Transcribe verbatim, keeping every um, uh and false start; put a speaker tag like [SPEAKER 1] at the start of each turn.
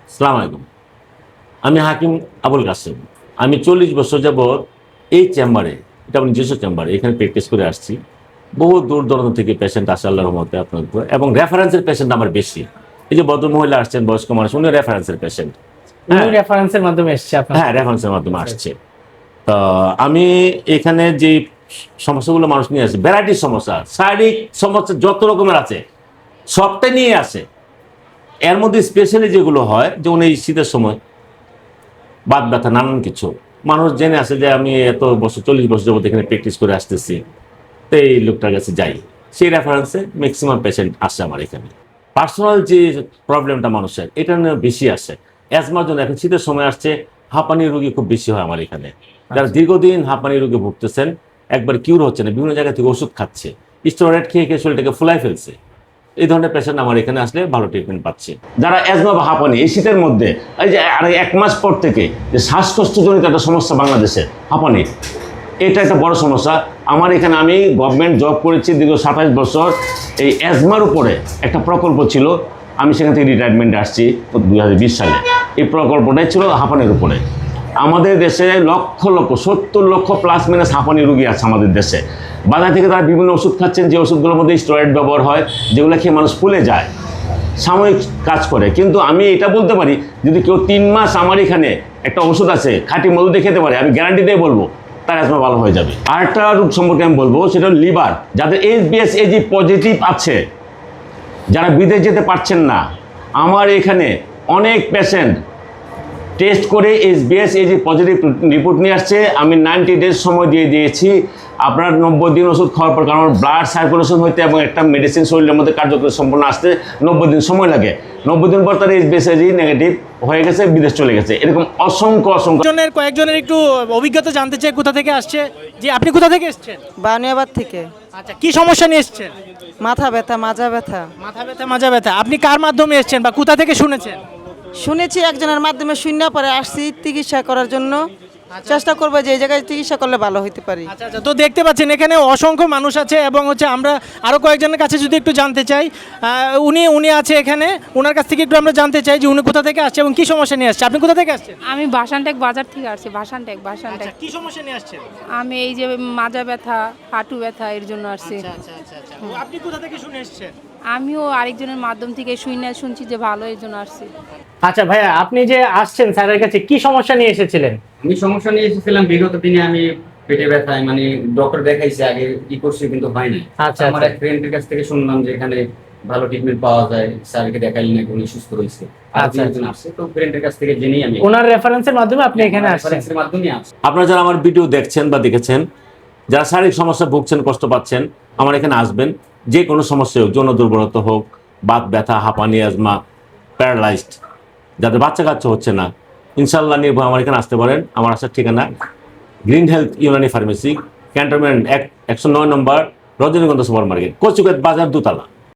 [SPEAKER 1] আসসালামু আলাইকুম। আমি হাকিম আবুল কাসেম। আমি চল্লিশ বছর যাবৎ এই চেম্বারে, এটা আমার নিজস্ব চেম্বারে, এখানে প্র্যাকটিস করে আসছি। বহু দূর দূরান্ত থেকে পেশেন্ট আসে আল্লাহর রহমতে আপনার উপর, এবং রেফারেন্সের পেশেন্ট আমার বেশি। এই যে ভদ্র মহিলা আসছেন, বয়স্ক মানুষ, উনি রেফারেন্সের পেশেন্ট।
[SPEAKER 2] উনি রেফারেন্সের মাধ্যমে এসেছে আপনার?
[SPEAKER 1] হ্যাঁ, রেফারেন্সের মাধ্যমে আসছে। তো আমি এখানে যে সমস্যাগুলো মানুষ নিয়ে আসে, ভ্যারাইটির সমস্যা, শারীরিক সমস্যা যত রকমের আছে সবটাই নিয়ে আসে। এর মধ্যে স্পেশালি যেগুলো হয়, যেমন এই শীতের সময় বাত ব্যথা, নানান কিছু মানুষ জেনে আসে যে আমি এত বছর চল্লিশ বছর যাবত এখানে প্র্যাকটিস করে আসতেছি, তো এই লোকটার কাছে যাই। সেই রেফারেন্সে ম্যাক্সিমাম পেশেন্ট আসে আমার এখানে। পার্সোনাল যে প্রবলেমটা মানুষের, এটা নিয়ে বেশি আসে। অ্যাজমার জন্য এখন শীতের সময় আসছে, হাঁপানি রোগী খুব বেশি হয় আমার এখানে। যারা দীর্ঘদিন হাঁপানি রোগে ভুগতেছেন, একবার কিউর হচ্ছে না, বিভিন্ন জায়গা থেকে ওষুধ খাচ্ছে, স্টেরয়েড খেয়ে খেয়ে শরীরটাকে ফুলাই ফেলছে, এই ধরনের পেশেন্ট আমার এখানে আসলে ভালো ট্রিটমেন্ট পাচ্ছে। যারা অ্যাজমা বা হাঁপানি এই শীতের মধ্যে, এই যে আর এক মাস পর থেকে যে শ্বাসকষ্টজনিত একটা সমস্যা বাংলাদেশে হাঁপানি, এটা একটা বড় সমস্যা। আমার এখানে আমি গভর্নমেন্ট জব করেছি দীর্ঘ সাতাশ বছর। এই অ্যাজমার উপরে একটা প্রকল্প ছিল, আমি সেখান থেকে রিটায়ারমেন্টে আসছি দুই হাজার বিশ সালে। এই প্রকল্পটাই ছিল হাঁপানির উপরে। আমাদের দেশে লক্ষ লক্ষ সত্তর লক্ষ প্লাস মাইনাস হাঁপানি রোগী আছে আমাদের দেশে। বাজার থেকে তারা বিভিন্ন ওষুধ খাচ্ছেন, যে ওষুধগুলোর মধ্যে স্টেরয়েড ব্যবহার হয়, যেগুলো খেয়ে মানুষ ফুলে যায়, সাময়িক কাজ করে। কিন্তু আমি এটা বলতে পারি, যদি কেউ তিন মাস আমার এখানে একটা ওষুধ আছে খাঁটি মধু দিয়ে খেতে পারে, আমি গ্যারান্টি দিয়ে বলবো তার অ্যাজমা ভালো হয়ে যাবে। আরেকটা রোগ সম্পর্কে আমি বলবো, সেটা হল লিভার। যাদের H B S AG positive আছে, যারা বিদেশ যেতে পারছেন না, আমার এখানে অনেক পেশেন্ট টেস্ট করে H B S AG positive report নিয়ে আসছে। আমি নাইনটি ডেজ সময় দিয়ে দিয়েছি। আপনার নব্বই দিন ওষুধ খাওয়ার পর, কারণ ব্লাড সার্কুলেশন হইতে এবং একটা মেডিসিন শরীরের মধ্যে কার্যকরী সম্পূর্ণ আসতে নব্বই দিন সময় লাগে। নব্বই দিন পর তার H B S AG negative হয়ে গেছে, বিদেশ চলে গেছে। এরকম অসংখ্য অসংখ্য
[SPEAKER 2] জনের কয়েকজনের একটু অভিজ্ঞতা জানতে চাই, কোথা থেকে আসছে? যে আপনি কোথা থেকে এসেছেন?
[SPEAKER 3] বানিয়াবাদ থেকে।
[SPEAKER 2] আচ্ছা, কি সমস্যা নিয়ে এসেছেন?
[SPEAKER 3] মাথা ব্যথা, মাজা ব্যথা।
[SPEAKER 2] মাথা ব্যথা, মাজা ব্যথা। আপনি কার মাধ্যমে এসেছেন বা কোথা থেকে শুনেছেন?
[SPEAKER 3] শুনেছি একজনের মাধ্যমে, শূন্য পরে আসছি চিকিৎসা করার জন্য। চেষ্টা করবো যে এই জায়গায় চিকিৎসা করলে ভালো হতে পারি।
[SPEAKER 2] আচ্ছা আচ্ছা, তো দেখতে পাচ্ছেন এখানে অসংখ্য মানুষ আছে, এবং হচ্ছে আমরা আরও কয়েকজনের কাছে যদি একটু জানতে চাই, উনি উনি আছে এখানে, ওনার কাছ থেকে একটু আমরা জানতে চাই যে উনি কোথা থেকে আসছে এবং কি সমস্যা নিয়ে আসছে। আপনি কোথা থেকে আসছেন?
[SPEAKER 4] আমি ভাসানটেক বাজার থেকে আসছি। ভাসানটেক ভাসানটেক
[SPEAKER 2] কি সমস্যা নিয়ে আসছেন?
[SPEAKER 4] আমি এই যে মাজা ব্যথা, হাঁটু ব্যথা, এর জন্য আসছি।
[SPEAKER 2] আচ্ছা আচ্ছা আচ্ছা, আপনি কোথা থেকে শুনে এসেছেন?
[SPEAKER 4] আমিও আরেকজনের মাধ্যম থেকে শুনে শুনছি যে ভালো, এর জন্য আসছি।
[SPEAKER 2] আচ্ছা ভাইয়া, আপনি যে আসছেন স্যারের কাছে, কি সমস্যা নিয়ে এসেছিলেন?
[SPEAKER 5] আমি সমস্যা নিয়ে এসেছিলাম বিগত দিনে। আমি পেটে ব্যথায় মানে ডক্টর দেখাইছি, আগে ই করছি কিন্তু হয় নাই।
[SPEAKER 2] আচ্ছা,
[SPEAKER 5] আমার এক ফ্রেন্ডের কাছ থেকে শুনলাম যে এখানে ভালো ট্রিটমেন্ট পাওয়া যায়, স্যারকে দেখাইলে নাকি উনি সুস্থ হয়েছে।
[SPEAKER 2] আচ্ছা,
[SPEAKER 5] একজন আসছে, তো ফ্রেন্ডের কাছ থেকে জেনেই আমি
[SPEAKER 2] ওনার রেফারেন্সের মাধ্যমে আপনি এখানে আসছেন?
[SPEAKER 5] রেফারেন্সের মাধ্যমে আসছি।
[SPEAKER 1] আপনারা যারা আমার ভিডিও দেখছেন বা দেখেছেন, যারা শারীরিক সমস্যা ভুগছেন, কষ্ট পাচ্ছেন, আমার এখানে আসবেন। যে কোনো সমস্যা হোক, যৌন দুর্বলতা হোক, বাত ব্যথা, হাঁপানি, অ্যাজমা, প্যারালাইজড, যাদের বাচ্চা কাচ্চা হচ্ছে না, ইনশাল্লাহ নির্ভয় আমার এখানে আসতে পারেন। আমার আসার ঠিকানা green health Unani pharmacy, cantonment এক একশো নয় নম্বর, রজনীগন্ধা সুপার মার্কেট, কচুকাত বাজার, দোতলা।